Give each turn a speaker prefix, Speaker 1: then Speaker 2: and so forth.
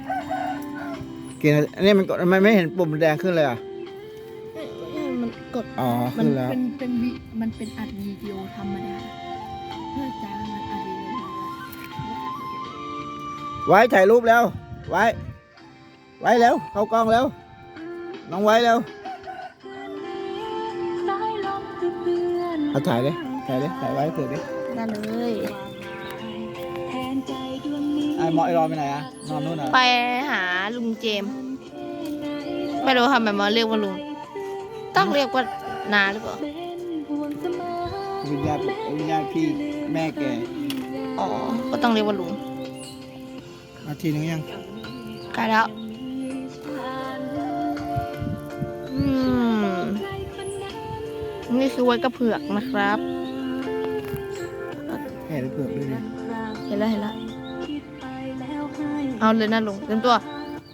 Speaker 1: กี่นาทีอันนี้มันกดมันไม่เห็นปุ่มแดงขึ้นเลยอ่ะ
Speaker 2: มันกด
Speaker 1: อ๋อ
Speaker 2: มั
Speaker 1: ขึ้นแล้ว
Speaker 2: มันเป็นอัดวิดีโอธรรมดาเพื่อจ้างมันอัดวิดีโอ
Speaker 1: ไว้ถ่ายรูปแล้ว ไว้แล้วเข้ากล้องแล้วน้องไว้แล้วเอาถ่ายเลยถ่ายไว้เถอะดิ
Speaker 2: ได้เลย
Speaker 1: ไอ้หมอไอ้รอไปไหนอ่ะนอนนู่นอ่ะ
Speaker 2: ไปหาลุงเจมส์ไม่รู้ทำไมมาเรียกว่าลุงต้องเรียกว่านาหรือเปล่า
Speaker 1: วิญญาณพี่แม่แก
Speaker 2: อ๋อก็ต้องเรียกว่าลุง
Speaker 1: นาทีนึงยัง
Speaker 2: ใกล้แล้วนี่คือไว้กระเผือกนะครับ
Speaker 1: แค่เผือกด้วยดิ
Speaker 2: เห็นแล้วเอาเลยนะลุงเต็มตัว